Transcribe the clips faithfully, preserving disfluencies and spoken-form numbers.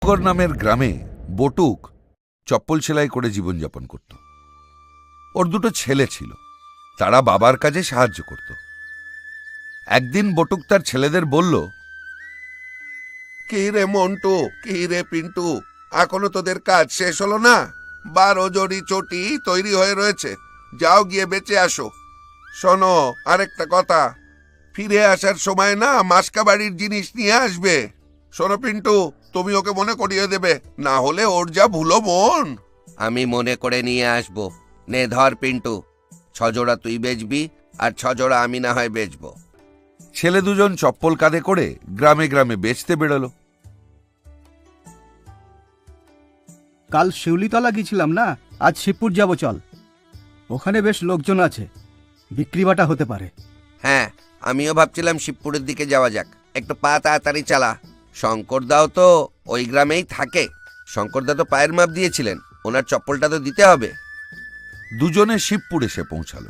শঙ্কর নামের গ্রামে বটুক চপ্পল সেলাই করে জীবনযাপন করত। ওর দুটো ছেলে ছিল, তারা বাবার কাজে সাহায্য করত। একদিন বটুক তার ছেলেদের বলল, কি রে মন্টু, কি রে পিন্টু, এখনো তোদের কাজ শেষ হলো না? বারো জড়ি চটি তৈরি হয়ে রয়েছে, যাও গিয়ে বেঁচে আসো। শোনো, আরেকটা কথা, ফিরে আসার সময় না মাসকা বাড়ির জিনিস নিয়ে আসবে। শোনো পিন্টু, তুমি ওকে মনে করিয়ে দেবে, না হলে ওর যা ভুলো মন। আমি মনে করে নিয়ে আসবো। নে ধর পিন্টু, ছজোড়া তুই বেচবি আর ছজোড়া আমি না হয় বেচবো। ছেলে দুজন চপ্পল কাঁধে করে গ্রামে গ্রামে বেচতে বেরোলো। কাল শিউলিতলা গিয়েছিলাম না, আজ শিবপুর যাব, চল। ওখানে বেশ লোকজন আছে, বিক্রি বাটা হতে পারে। হ্যাঁ, আমিও ভাবছিলাম শিবপুরের দিকে যাওয়া যাক। একটু পা তাড়াতাড়ি চালা। শঙ্করদাও তো ওই গ্রামেই থাকে। শঙ্করদা তো পায়ের মাপ দিয়েছিলেন, ওনার চপ্পলটা তো দিতে হবে। দুজনে শিবপুর এসে পৌঁছালো।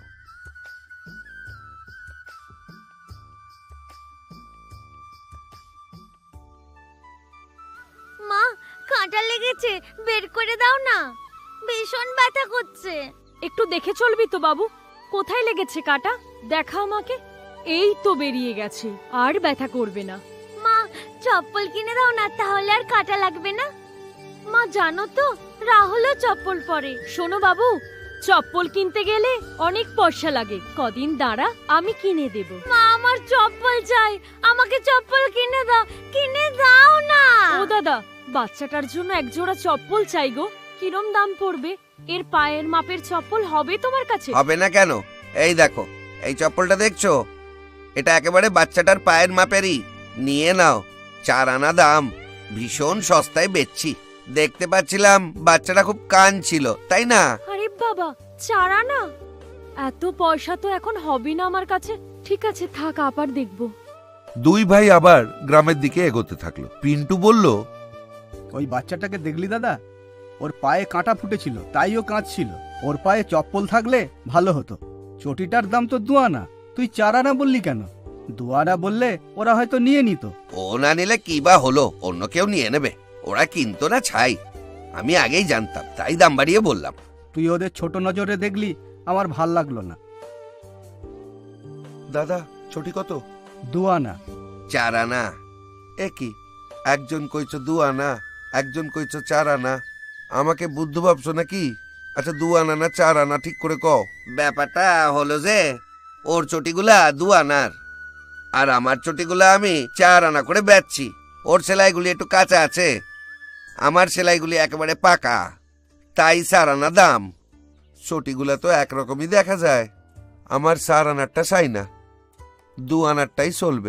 মা, কাঁটা লেগেছে, বের করে দাও না, ভীষণ ব্যথা করছে। একটু দেখে চলবি তো বাবু, কোথায় লেগেছে কাঁটা? দেখা আমাকে। এই তো বেরিয়ে গেছে, আর ব্যথা করবে না। মা, চপ্পল কিনে দাও না, তাহলে আর কাঁটা লাগবে না। মা জানো তো, রাহুলও চপ্পল পরে। শোনো বাবু, চপ্পল কিনতে গেলে অনেক পয়সা লাগে, কদিন দাঁড়া, আমি কিনে দেব। মা, আমার চপ্পল চাই, আমাকে চপ্পল কিনে দাও, কিনে দাও না। ও দাদা, বাচ্চাটার জন্য এক জোড়া চপ্পল চাই গো। কিরম দাম পড়বে? এর পায়ের মাপের চপ্পল হবে তোমার কাছে? হবে না কেন? এই দেখো, এই চপ্পলটা দেখছো? এটা একেবারে বাচ্চাটার পায়ের মাপেরই। নিয়ে নাও, চার আনা দাম, ভীষণ সস্তায় বেচছি। দেখতে পাচ্ছিলাম বাচ্চাটা খুব কান ছিল, তাই না? আরে বাবা, চার আনা? এত পয়সা তো এখন হবে না আমার কাছে। ঠিক আছে, থাক, আবার দেখবো। দুই ভাই আবার গ্রামের দিকে এগোতে থাকলো। পিন্টু বলল, ওই বাচ্চাটাকে দেখলি দাদা? ওর পায়ে কাঁটা ফুটেছিল, তাই ও কাঁদছিল। ওর পায়ে চপ্পল থাকলে ভালো হতো। চটিটার দাম তো দু আনা, তুই চার আনা বললি কেন? দু আনা বললে ওরা হয়তো নিয়ে নিত। ও না নিলে কি বা হলো, অন্য কেউ নিয়ে নেবে। ওরা কিনতো না ছাই, আমি আগেই জানতাম, তাই দাম বাড়িয়ে বললাম। তুই ওদের ছোট নজরে দেখলি, আমার ভাল লাগলো না। দাদা, ছটি কত? দু আনা। চার আনা। এ কি, একজন কইছো দু আনা, একজন কইছো চার আনা। আমাকে বুদ্ধ ভাবছো নাকি? আচ্ছা, দু আনা না চার আনা ঠিক করে কও। ব্যাপারটা হলো যে ওর চটিগুলা দু আনার, আর আমার চটিগুলা আমি চার আনা করে বেচছি। ওর সেলাইগুলি একটু কাঁচা আছে, আমার সেলাইগুলি একেবারে পাকা, তাই চার আনা দাম। চটিগুলা তো একরকমই দেখা যায়। আমার চার আনারটা চাই না, দু আনারটাই চলবে।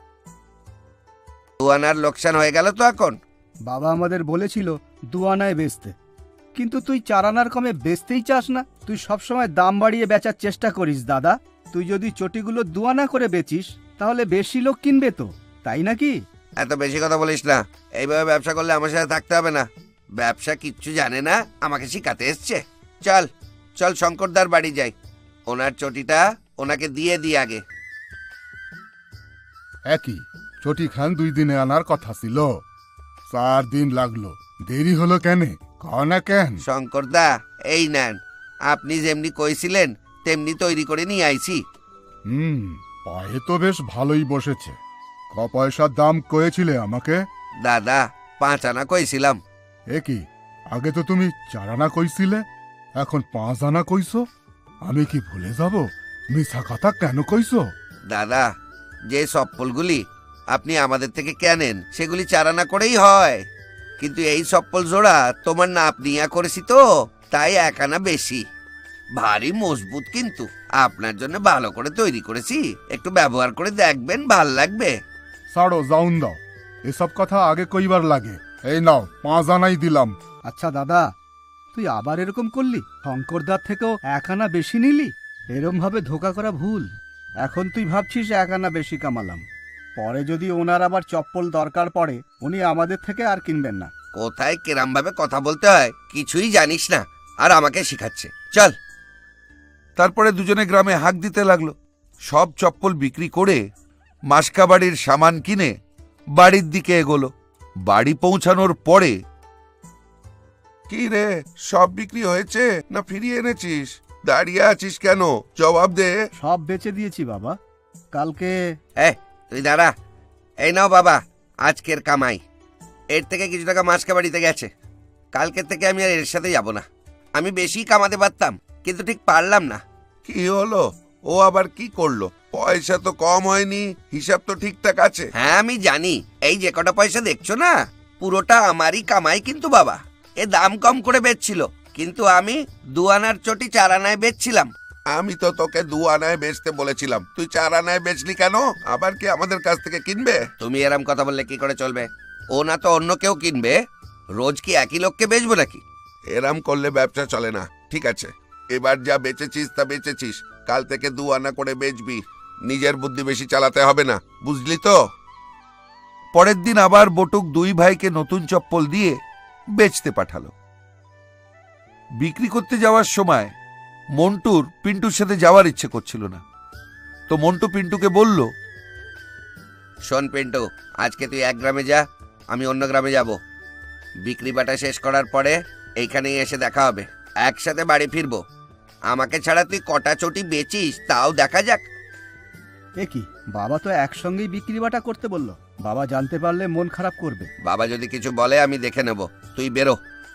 দু আনার লোকসান হয়ে গেল তো এখন। বাবা আমাদের বলেছিল দু আনায় বেচতে, কিন্তু তুই চার আনার কমে বেচতেই চাস না। তুই সবসময় দাম বাড়িয়ে বেচার চেষ্টা করিস দাদা। তুই যদি চটিগুলো দু আনা করে বেচিস, তাহলে বেশি লোক কিনবে তো, তাই নাকি? এত বেশি কথা বলিস না। এইভাবে ব্যবসা করলে আমার সাথে থাকতে হবে না। ব্যবসা কিচ্ছু জানে না, আমাকে শিখাতে এসছে। চল চল, শঙ্করদার বাড়ি যাই, ওনার চটিটা ওনাকে দিয়ে দিই আগে। একই চটি খান দুই দিনে আনার কথা ছিল, চার দিন লাগলো, দেরি হলো কেন? কও না কেন? শঙ্করদা, এই নেন, আপনি যেমনি কইছিলেন তেমনি তৈরি করে নিয়ে আইছি। হুম, পায়ে তো বেশ ভালোই বসেছে। ক পয়সার দাম কয়েছিলে আমাকে? দাদা, পাঁচ আনা কইছিলাম। একই, আগে তো তুমি চার আনা কইছিলে, এখন পাঁচ আনা কইছো। আমি কি ভুলে যাব? মিছা কথা কেন কইছো? দাদা, যে চপ্পলগুলি আপনি আমাদের থেকে কেনেন সেগুলি চার আনা করেই হয়, কিন্তু এই চপ্পল জোড়া তোমার নাপ নিয়া করেছি তো, তাই এক আনা বেশি। ভারী মজবুত, কিন্তু আপনার জন্য ভালো করে তৈরি করেছি, একটু ব্যবহার করে দেখবেন, ভাল লাগবে। ছাড়ো, যাউন দাও, এসব কথা আগে কইবার লাগে। এই নাও, পাঁচ আনাই দিলাম। আচ্ছা দাদা, তুই আবার এরকম করলি? শঙ্করদার থেকেও এক আনা বেশি নিলি? এরম ভাবে ধোকা করা ভুল। এখন তুই ভাবছিস এক আনা বেশি কামালাম, পরে যদি ওনার আবার চপ্পল দরকার পড়ে, উনি আমাদের থেকে আর কিনবেন না। কোথায় কেরাম ভাবে কথা বলতে হয় কিছুই জানিস না, আর আমাকে শিখাচ্ছে। চল। তারপরে দুজনে গ্রামে হাঁক দিতে লাগলো। সব চপ্পল বিক্রি করে মাসকা বাড়ির সামান কিনে বাড়ির দিকে এগোলো। বাড়ি পৌঁছানোর পরে কি রে, সব বিক্রি হয়েছে না ফিরিয়ে এনেছিস? দাঁড়িয়ে আছিস কেন? জবাব দে। সব বেচে দিয়েছি বাবা। কালকে এ তুই দাঁড়া। এই নাও বাবা আজকের কামাই। এর থেকে কিছু টাকা মাসকা বাড়িতে গেছে। কালকের থেকে আমি আর এর সাথে যাব না। আমি বেশি কামাতে পারতাম, কিন্তু ঠিক পারলাম না। কি হলো? ও আবার কি করলো? পয়সা তো কম হয়নি, হিসাব তো ঠিকঠাক আছে। হ্যাঁ আমি জানি, এই যে কটা পয়সা দেখছো না, পুরোটা আমারই কামাই। কিন্তু বাবা এ দাম কম করে বেচছিল, কিন্তু আমি দু আনার চটি চার আনায় বেচছিলাম। আমি তো তোকে দু আনায় বেচতে বলেছিলাম, তুই চার আনায় বেচলি কেন? আবার কি আমাদের কাছ থেকে কিনবে? তুমি এরম কথা বললে কি করে চলবে? ও না তো অন্য কেউ কিনবে। রোজ কি একই লোককে বেচবো নাকি? এরাম করলে ব্যবসা চলে না। ঠিক আছে, এবার যা বেচেছিস তা বেচেছিস, কাল থেকে দু আনা করে বেচবি। নিজের বুদ্ধি বেশি চালাতে হবে না, বুঝলি তো? পরের দিন আবার বটুক দুই ভাইকে নতুন চপ্পল দিয়ে বেচতে পাঠালো। বিক্রি করতে যাওয়ার সময় মন্টুর পিন্টুর সাথে যাওয়ার ইচ্ছে করছিল না, তো মন্টু পিন্টুকে বলল, শোন পিন্টু, আজকে তুই এক গ্রামে যা, আমি অন্য গ্রামে যাব। বিক্রি বাটা শেষ করার পরে এইখানেই এসে দেখা হবে, একসাথে বাড়ি ফিরবো। আমাকে ছাড়া তুই কটা চটি বেচিস তাও দেখা যাক। এ কি, বাবা তো একসঙ্গেই বিক্রি বাটা করতে বললো। বাবা জানতে পারলে মন খারাপ করবে। বাবা যদি কিছু বলে আমি দেখে নেব, তুই বেরো।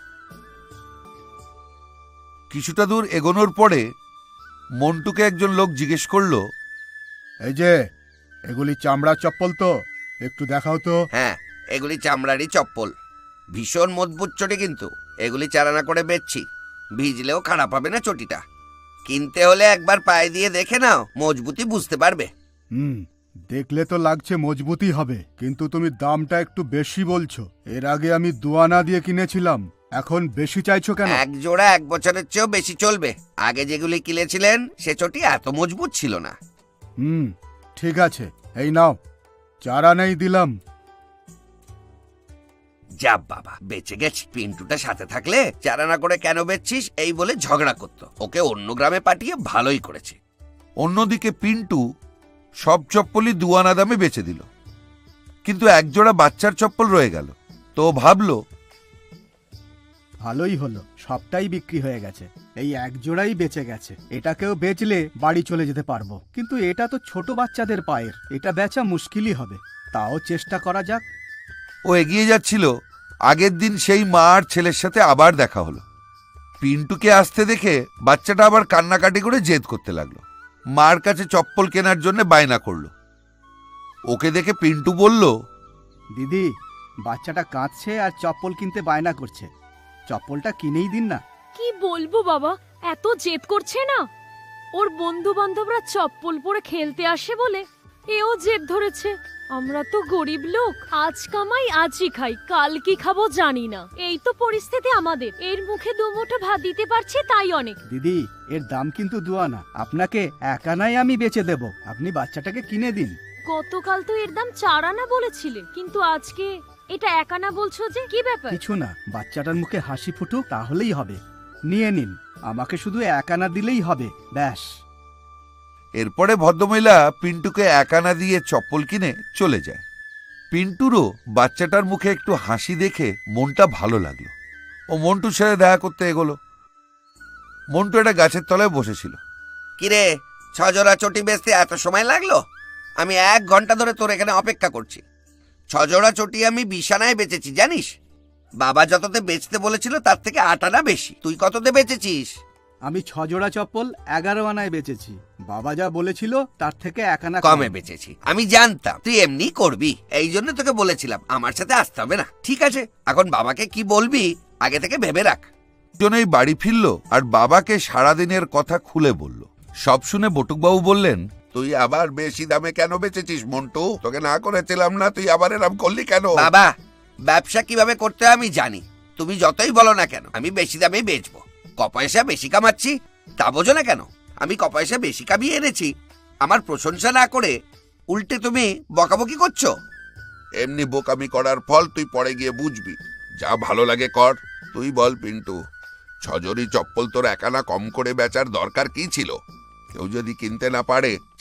কিছুটা দূর এগোনোর পরে মন্টুকে একজন লোক জিজ্ঞেস করলো, এই যে, এগুলি চামড়ার চপ্পল তো? একটু দেখাও তো। হ্যাঁ, এগুলি চামড়ারই চপ্পল, ভীষণ মজবুত চটি। কিন্তু এগুলি চারানা করে বেচছি, ভিজলেও খারাপ হবে না চটিটা। কিনতে হলে একবার পায়ে দিয়ে দেখে নাও, মজবুতি বুঝতে পারবে। হুম, দেখলে তো লাগছে মজবুতই হবে, কিন্তু তুমি দামটা একটু বেশি বলছো। এর আগে আমি দুয়ানা দিয়ে কিনেছিলাম, এখন বেশি চাইছো কেন? এক জোড়া এক বছরের চেয়েও বেশি চলবে। আগে যেগুলি কিনেছিলেন সে চটি এত মজবুত ছিল না। হুম, ঠিক আছে, এই নাও, চারা নেই দিলাম। যা বাবা, বেঁচে গেছি। পিন্টুটা সাথে থাকলে চারানা করে কেন বেচছিস এই বলে ঝগড়া করতো। ওকে অন্য গ্রামে পাঠিয়ে ভালোই করেছে। অন্যদিকে পিন্টু সব চপ্পলই দুয়ানা দামে বেচে দিল, কিন্তু একজোড়া বাচ্চার চপ্পল রয়ে গেল। তো ও ভাবলো, ভালোই হলো, সবটাই বিক্রি হয়ে গেছে, এই এক জোড়াই বেঁচে গেছে। এটাকেও বেচলে বাড়ি চলে যেতে পারবো, কিন্তু এটা তো ছোট বাচ্চাদের পায়ের, এটা বেচা মুশকিলই হবে। তাও চেষ্টা করা যাক। ও এগিয়ে যাচ্ছিল, আগের দিন সেই মা আর ছেলের সাথে আবার দেখা হলো। পিন্টুকে আসতে দেখে বাচ্চাটা আবার কান্নাকাটি করে জেদ করতে লাগলো, মার কাছে চপ্পল কেনার জন্য বায়না করলো। ওকে দেখে পিন্টু বলল, দিদি, বাচ্চাটা কাঁদছে আর চপ্পল কিনতে বায়না করছে, চপ্পলটা কিনেই দিন না। কি বলবো বাবা, এত জেদ করছে না। ওর বন্ধু বান্ধবরা চপ্পল পরে খেলতে আসে বলে এও জেদ ধরেছে। আমরা তো গরিব লোক, আজ কামাই আজই খাই, কাল কি খাবো জানি না। এই তো পরিস্থিতি আমাদের। এর মুখে দুমুঠো ভাত দিতে পারছি তাই অনেক। দিদি, এর দাম কিন্তু দুয়ানা, আপনাকে এক আনায় আমি বেচে দেব, আপনি বাচ্চাটাকে কিনে দিন। গতকাল তো এর দাম চার আনা বলেছিলে, কিন্তু আজকে এটা এক আনা বলছো যে, কি ব্যাপার? কিছু না, বাচ্চাটার মুখে হাসি ফুটুক তাহলেই হবে। নিয়ে নিন, আমাকে শুধু এক আনা দিলেই হবে, ব্যাস। এরপরে ভদ্রমহিলা পিন্টুকে এক আনা দিয়ে চপ্পল কিনে চলে যায়। পিন্টুরও বাচ্চাটার মুখে একটু হাসি দেখে মনটা ভালো লাগলো। ও মন্টুর সাথে দেখা করতে এগোলো। মন্টু একটা গাছের তলায় বসেছিল। কিরে, ছজোড়া চটি বেচতে এত সময় লাগলো? আমি এক ঘন্টা ধরে তোর এখানে অপেক্ষা করছি। ছজোড়া চটি আমি বিশ আনায় বেচেছি জানিস। বাবা যততে বেচতে বলেছিল তার থেকে আট আনা বেশি। তুই কততে বেচেছিস? আমি ছ জোড়া চপ্পল এগারো আনায় বেচেছি, বাবা যা বলেছিল তার থেকে এক আনা কমে বেচেছি। আমি জানতাম তুই এমনি করবি, এই জন্য তোকে বলেছিলাম আমার সাথে আসতে হবে না। ঠিক আছে, এখন বাবাকে কি বলবি আগে থেকে ভেবে রাখ। জনেই বাড়ি ফিরল আর বাবাকে সারাদিনের কথা খুলে বলল। সব শুনে বটুকবাবু বললেন, তুই আবার বেশি দামে কেন বেচেছিস মন্টু? তোকে না করেছিলাম না, তুই আবার এরম করলি কেন? বাবা, ব্যবসা কিভাবে করতে হয় আমি জানি। তুমি যতই বলো না কেন আমি বেশি দামে বেচবো। ক পয়সা বেশি কামাচ্ছি তা বোঝো না কেন? আমি ক পয়সা বেশি কামিয়ে এনেছি, আমার প্রশংসা না করে উল্টে তুমি বকাবকি করছো। এমনি বোকামি করার ফল তুই পরে গিয়ে বুঝবি। যা ভালো লাগে কর। তুই বল পিন্টু, ছজরি চপ্পল তোর একানা কম করে বেচার দরকার কি ছিল? কেউ যদি কিনতে না পারে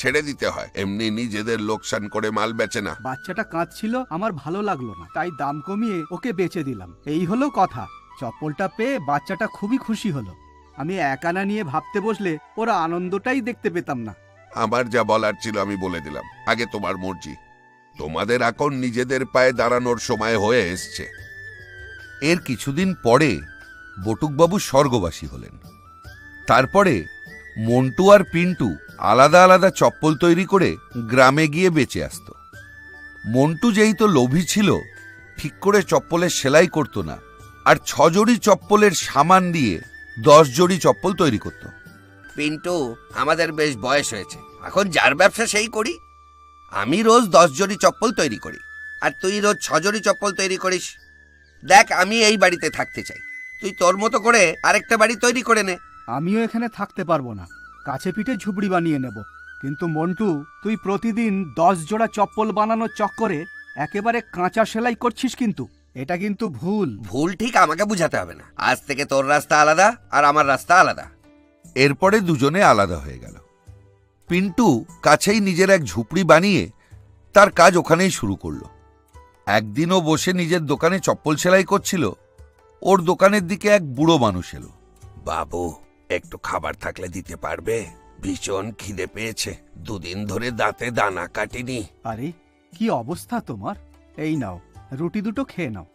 ছেড়ে দিতে হয়, এমনি নিজেদের লোকসান করে মাল বেচে না। বাচ্চাটা কাঁদছিল, আমার ভালো লাগলো না, তাই দাম কমিয়ে ওকে বেচে দিলাম। এই হলো কথা। চপ্পলটা পেয়ে বাচ্চাটা খুবই খুশি হলো। আমি একানা নিয়ে ভাবতে বসলে ওরা আনন্দটাই দেখতে পেতাম না। আমার যা বলার ছিল আমি বলে দিলাম, আগে তোমার মর্জি। তোমাদের এখন নিজেদের পায়ে দাঁড়ানোর সময় হয়ে এসছে। এর কিছুদিন পরে বটুকবাবু স্বর্গবাসী হলেন। তারপরে মন্টু আর পিন্টু আলাদা আলাদা চপ্পল তৈরি করে গ্রামে গিয়ে বেচে আসত। মন্টু যেই তো লোভী ছিল, ঠিক করে চপ্পলের সেলাই করত না, আর ছ জোড়ি চপ্পলের সামান দিয়ে দশ জোড়ি চপ্পল তৈরি করত। পিন্টু, আমাদের বেশ বয়স হয়েছে, এখন যার ব্যবসা সেই করি। আমি রোজ দশ জোড়ি চপ্পল তৈরি করি, আর তুই রোজ ছ জোড়ি চপ্পল তৈরি করিস। দেখ, আমি এই বাড়িতে থাকতে চাই, তুই তোর মতো করে আরেকটা বাড়ি তৈরি করে নে। আমিও এখানে থাকতে পারবো না, কাছে পিঠে ঝুপড়ি বানিয়ে নেব। কিন্তু মন্টু, তুই প্রতিদিন দশ জোড়া চপ্পল বানানোর চক্করে একেবারে কাঁচা সেলাই করছিস, কিন্তু এটা কিন্তু ভুল। ভুল ঠিক আমাকে বুঝাতে হবে না। আজ থেকে তোর রাস্তা আলাদা আর আমার রাস্তা আলাদা। এরপরে দুজনে আলাদা হয়ে গেল। পিন্টু কাছেই নিজের এক ঝুপড়ি বানিয়ে তার কাজ ওখানেই শুরু করলো। একদিনও বসে নিজের দোকানে চপ্পল সেলাই করছিল, ওর দোকানের দিকে এক বুড়ো মানুষ এলো। বাবু, একটু খাবার থাকলে দিতে পারবে? ভীষণ খিদে পেয়েছে, দুদিন ধরে দাঁতে দানা কাটিনি। আরে, কি অবস্থা তোমার! এই নাও, রুটি দুটো খেয়ে নাও।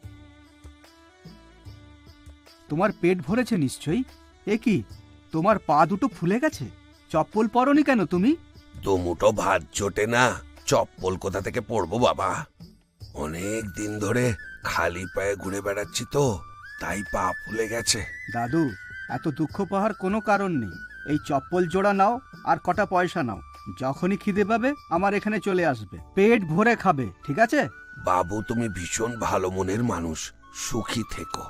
তোমার পেট ভরেছে নিশ্চয়ই। এ কি, তোমার পা দুটো ফুলে গেছে? চপ্পল পরনি কেন তুমি? দুমুটো ভাত জোটে না, চপ্পল কোথা থেকে পরবো বাবা? অনেক দিন ধরে খালি পায়ে ঘুরে বেড়াচ্ছি তো, তাই পা ফুলে গেছে। দাদু, এত দুঃখ পাওয়ার কোনো কারণ নেই। এই চপ্পল জোড়া নাও আর কটা পয়সা নাও। যখনই খিদে পাবে আমার এখানে চলে আসবে, পেট ভরে খাবে, ঠিক আছে? বাবু, তুমি ভীষণ ভালো মনের মানুষ, সুখী থেকো।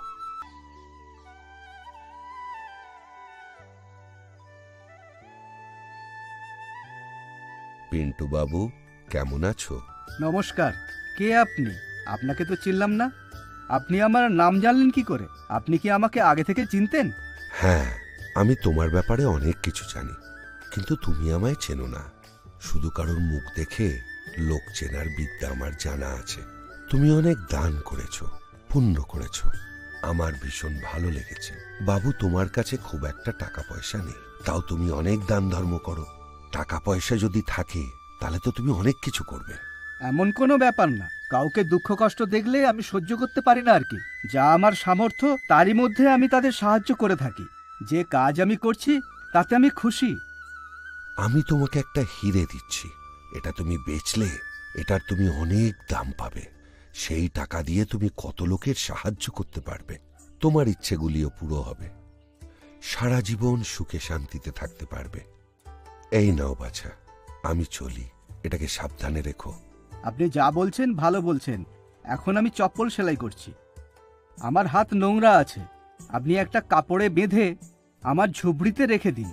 পিন্টু বাবু, কেমন আছো? নমস্কার। কে আপনি? আপনাকে তো চিনলাম না। আপনি আমার নাম জানলেন কি করে? আপনি কি আমাকে আগে থেকে চিনতেন? হ্যাঁ, আমি তোমার ব্যাপারে অনেক কিছু জানি, কিন্তু তুমি আমায় চেনো না। শুধু কারোর মুখ দেখে লোক চেনার বিদ্যা আমার জানা আছে। তুমি অনেক দান করেছো, পুণ্য করেছো, আমার ভীষণ ভালো লেগেছে। বাবু, তোমার কাছে খুব একটা টাকা পয়সা নেই, তাও তুমি অনেক দান ধর্ম করো। টাকা পয়সা যদি থাকে তাহলে তো তুমি অনেক কিছু করবে। এমন কোনো ব্যাপার না। কাউকে দুঃখ কষ্ট দেখলে আমি সহ্য করতে পারি না আর কি। যা আমার সামর্থ্য তারই মধ্যে আমি তাদের সাহায্য করে থাকি। যে কাজ আমি করছি তাতে আমি খুশি। আমি তোমাকে একটা হিরে দিচ্ছি, এটা তুমি বেচলে এটার তুমি অনেক দাম পাবে। সেই টাকা দিয়ে তুমি কত লোকের সাহায্য করতে পারবে, তোমার ইচ্ছেগুলিও পুরো হবে, সারা জীবন সুখে শান্তিতে থাকতে পারবে। এই নাও বাছা, আমি চলি, এটাকে সাবধানে রেখো। আপনি যা বলছেন ভালো বলছেন। এখন আমি চপ্পল সেলাই করছি, আমার হাত নোংরা আছে। আপনি একটা কাপড়ে বেঁধে আমার ঝুপড়িতে রেখে দিন।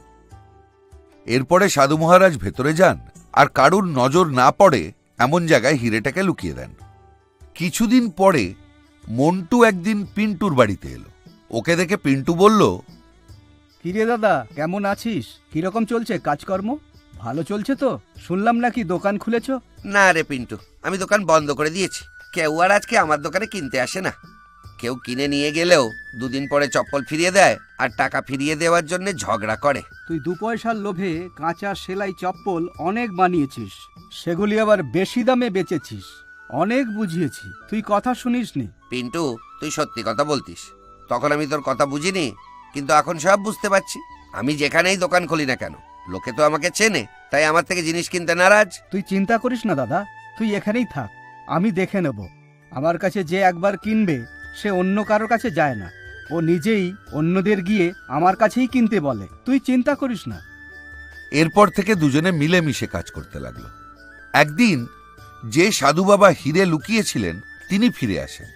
এরপরে সাধু মহারাজ ভেতরে যান আর কারুর নজর না পড়ে এমন জায়গায় হিরেটাকে লুকিয়ে দেন। কিছুদিন পরে মন্টু একদিন পিন্টুর বাড়িতে এলো। ওকে দেখে পিন্টু বলল, কিরে দাদা, কেমন আছিস? কিরকম চলছে কাজকর্ম? ভালো চলছে তো? শুনলাম নাকি দোকান খুলেছ? না রে পিন্টু, আমি দোকান বন্ধ করে দিয়েছি। কেউ আর আজকে আমার দোকানে কিনতে আসে না। কেউ কিনে নিয়ে গেলেও দুদিন পরে চপ্পল ফিরিয়ে দেয় আর টাকা ফিরিয়ে দেওয়ার জন্য ঝগড়া করে। তুই দু পয়সার লোভে কাঁচা সেলাই চপ্পল অনেক বানিয়েছিস, সেগুলি আবার বেশি দামে বেচেছিস। অনেক বুঝিয়েছি, তুই কথা শুনিসনি। পিন্টু, তুই সত্যি কথা বলতিস। তখন আমি তোর কথা বুঝিনি, কিন্তু এখন সব বুঝতে পারছি। আমি যেখানেই দোকান খুলি না কেন, লোকে তো আমাকে চেনে, তাই আমার থেকে জিনিস কিনতে নারাজ। তুই চিন্তা করিস না দাদা, তুই এখানেই থাক, আমি দেখে নেব। আমার কাছে যে একবার কিনবে সে অন্য কারোর কাছে যায় না, ও নিজেই অন্যদের গিয়ে আমার কাছেই কিনতে বলে। তুই চিন্তা করিস না। এরপর থেকে দুজনে মিলেমিশে কাজ করতে লাগলো। একদিন যে সাধু বাবা হিরে লুকিয়েছিলেন তিনি ফিরে আসেন।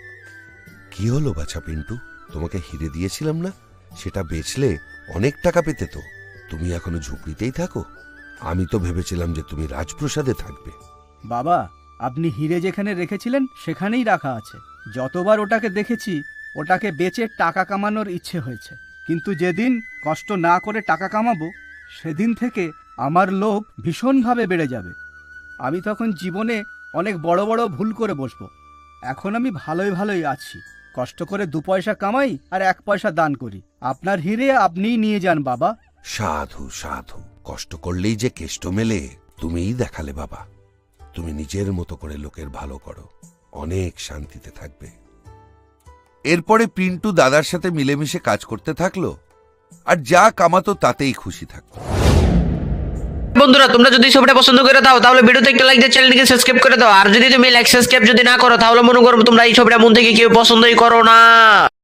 কি হলো বাছা পিন্টু, তোমাকে হিরে দিয়েছিলাম না, সেটা বেচলে অনেক টাকা পেতে তো। তুমি এখনো ঝুপড়িতেই থাকো? আমি তো ভেবেছিলাম যে তুমি রাজপ্রাসাদে থাকবে। বাবা, আপনি হিরে যেখানে রেখেছিলেন সেখানেই রাখা আছে। যতবার ওটাকে দেখেছি ওটাকে বেচে টাকা কামানোর ইচ্ছে হয়েছে, কিন্তু যেদিন কষ্ট না করে টাকা কামাবো সেদিন থেকে আমার লোভ ভীষণভাবে বেড়ে যাবে। আমি তখন জীবনে অনেক বড় বড় ভুল করে বসবো। এখন আমি ভালোই ভালোই আছি, কষ্ট করে দু পয়সা কামাই আর এক পয়সা দান করি। আপনার হিরে আপনিই নিয়ে যান বাবা। সাধু সাধু, কষ্ট করলেই যে কেষ্ট মেলে তুমিই দেখালে বাবা। তুমি নিজের মতো করে লোকের ভালো করো, অনেক শান্তিতে থাকবে। এরপরে পিন্টু দাদার সাথে মিলেমিশে কাজ করতে থাকলো, আর যা কামাতো তাতেই খুশি থাকতো। বন্ধুরা, তোমরা যদি ছবিটা পছন্দ করে দাও তাহলে ভিডিওতে একটা লাইক দিয়ে চ্যানেলটিকে সাবস্ক্রাইব করে দাও। আর যদি তুমি লাইক সাবস্ক্রাইব যদি না করো তাহলে মনে করো তোমরা এই ছবিটা মন থেকে কেউ পছন্দই করো না।